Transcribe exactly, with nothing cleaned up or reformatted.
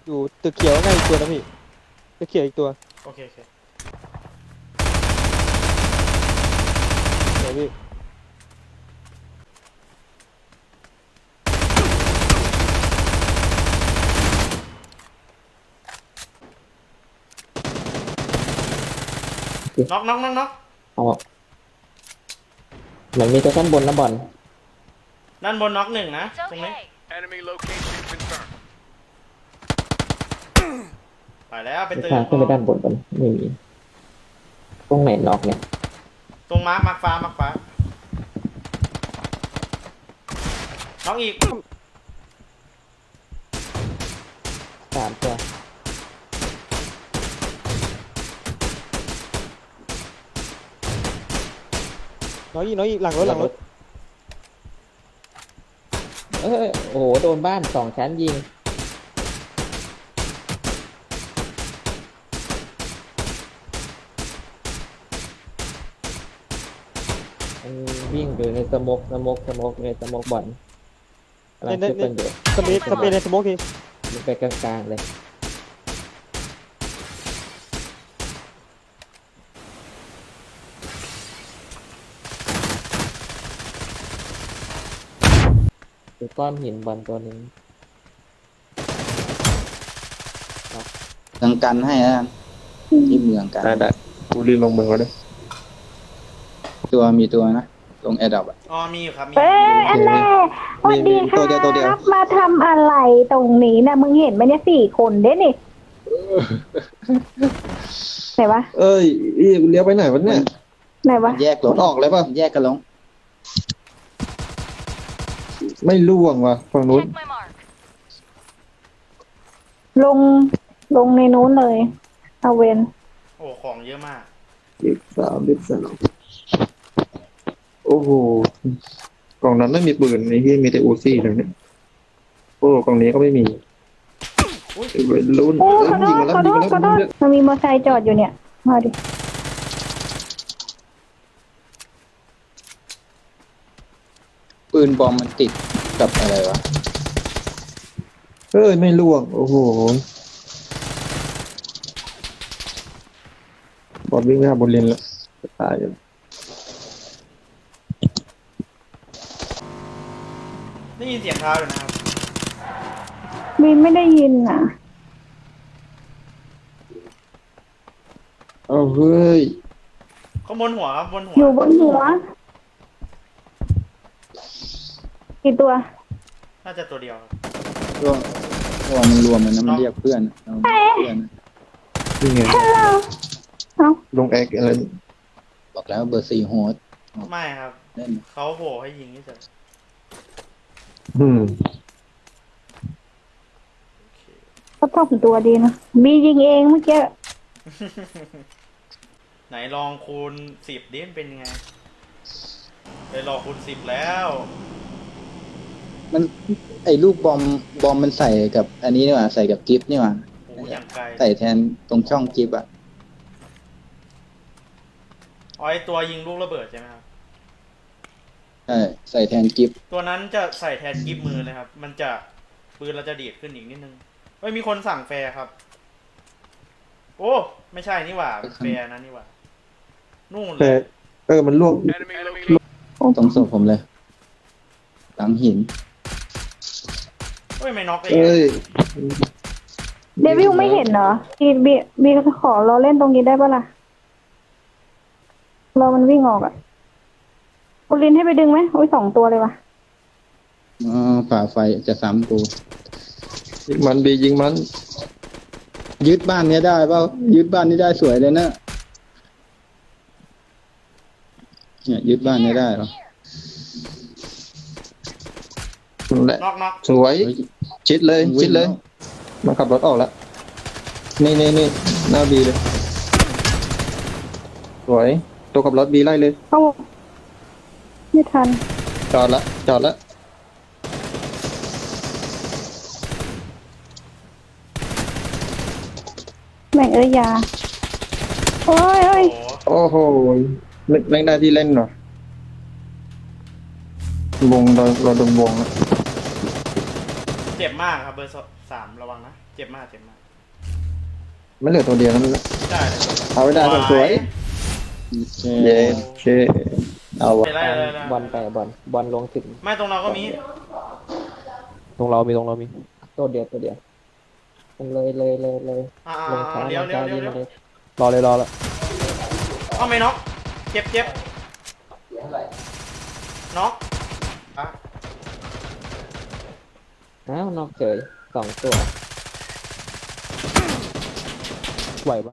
อยู่ตึกเขียวไงอีกตัวนะพี่ตึกเขียวอีกตัวโอเคโอเคเดี๋ยวพี่น็อกน็อกน็อกน็อกอ๋อเหมือนมีตัวด้านบนนะบอลด้านบนน็อกหนึ่งนะตรงนี้ Enemy location confirmed. ไปแล้วไปมีตื่ทางขึ้นไปด้านบนบนไม่มีตรงไหนล็อกเนี่ยตรงมาร์คมาร์คฟ้ามาร์คฟ้าน็อกอีกสามตัวน้อยอีกน้อยอีกหลังรถหลังรถเออโอ้โหโดนบ้านสองชั้นยิงมันวิ่งอยู่ในสโมกสโมกสโมกในสโมกบอลกำลังในช่วยในเพื่อนอยู่สเปซสเปซในสโมกทีมันไปกลางๆเลยคือก้อนหินบอลตัวนึงกังกันให้นะที่เมืองกันได้ได้กูรีบลงมือก็ได้ตัวมีตัวนะลงแอร์ดรอปอ่ะอ๋อมีอยู่ครับมีเอ้ยอันแน่สวัสดีคตัวเดียวตัวเดียวรับมาทำอะไรตรงนี้นะมึงเห็นไหมเนี่ยสี่คนเด้นี่ไหนวะเอ้ยอีกูเลี้ยวไปไหนวะเนี่ยไหนวะแยกลงออกเลยป่ะแยกกันลงไม่ล่วงว่ะฝั่งนู้น Check my mark. ลงลงในนู้นเลยเอาเวนโอ้ของเยอะมากอีกสามอีกสามโอ้โหกล่องนั้นไม่มีปืนไอ้ที่มีแต่อูซี่เลยเนี่ยโอ้กล่องนี้ก็ไม่มีไอ้วัยรุ่นโอ้เอ้ยขอโทยิงษมาแล้วขอยิโทงษมาแล้วขอโทษยิงมาแล้วมันมีมอเตอร์ไซค์จอดอยู่เนี่ยมาดิปืนบอมมันติดกับอะไรวะเอ้ยไม่ล่วงโอ้โหบอลวิ่งไปหาบอลเลนแล้วจะตายอยู่ได้ยินเสียงเท้าอยู่นะครับมีไม่ได้ยินนะเอาเฮ้ยข้างบนหัวครับบนหัวอยู่บนหัวกี่ตัวน่าจะตัวเดียวครับตัวตัวมันรวมมันนะมันเรียกเพื่อนเอาเพื่อนนี่ไงฮัลโหลเอ้าลงแอกอะไรบอกแล้วเบอร์สี่โฮสไม่ครับเล่นเขาโผล่ให้ยิงเฉยอืมโอเคก็ชอบตัวดีนะมียิงเองเมื่อกี้ไหนลองคูณสิบดิมันเป็นยังไงไปลองคูณสิบแล้วมันไอ้ลูกบอมบอมมันใส่กับ อันนี้นี่หว่าใส่กับกิฟต์นี่หว่าโอ้ยังไกลใส่แทนตรงช่องกิฟต์อ่ะอ๋อไอตัวยิงลูกระเบิดใช่ไหมครับใช่ใส่แทนกิฟต์ตัวนั้นจะใส่แทนกิฟมือเลยครับ มันจะปืนเราจะดีดขึ้นอีกนิดนึงเฮ้ยมีคนสั่งแฟร์ครับ โอ้ไม่ใช่นี่หว่าแฟร์นะนี่หว่านู่นเลแต่ยเออมันล่วง Enemy location. ตรงศพผมเลย หลังหินเฮ้ยไม่น็อกเลยเอ้ยเดวิลไม่เห็นเหรอบีบีบีขอรอเล่นตรงนี้ได้ปะล่ะรอมันวิ่งออกอะกุลินให้ไปดึงไหมโอ้ยสองตัวเลยวะอ๋อฝ่าไฟจะซ้ำกูยิงมันบียิงมันยึดบ้านเนี้ยได้เปล่ายึดบ้านนี้ได้สวยเลยนะเนี่ยยึดบ้านเนี้ยได้เหรอนั่นแหละน็อกน็อกสวยเฮ้ยชิดเลยวิ่งชิดเลยแล้วมาขับรถออกแล้วนี่นี่นี่หน้าบีเลย สวย ตัวขับรถบีไล่เลยเข้าไม่ทันจอดละจอดละแม่งเอ้ยยาโอ้ยโอ้ยโอ้โหโอ้โหนึกแม่งได้ที่เล่นหน่อยวงเราเราโดนวงแล้วเจ็บมากครับเบอร์สสามระวังนะ เจ็บมากเจ็บมากมันเหลือตัวเดียวนั่นแหละได้เลยเอาไว้ได้สวยเย้เชเอาวะไปไล่เลยไล่บอลไปบอลบอลลงถึงไม่ตรงเราก็มีตรงเรามีตรงเรามีตัวเดียวตัวเดียวมันเลยเลยเลยเลยอ่าลงซ้ายเลี้ยวลงเลี้ยวซ้ายเลี้ยวยิงเลี้ยวเลยรอเลยรอแล้วเอาไม่น็อกเจ็บเจ็บน็อกอ่ะอ้าวนอกเฉยสองตัวไหวปะ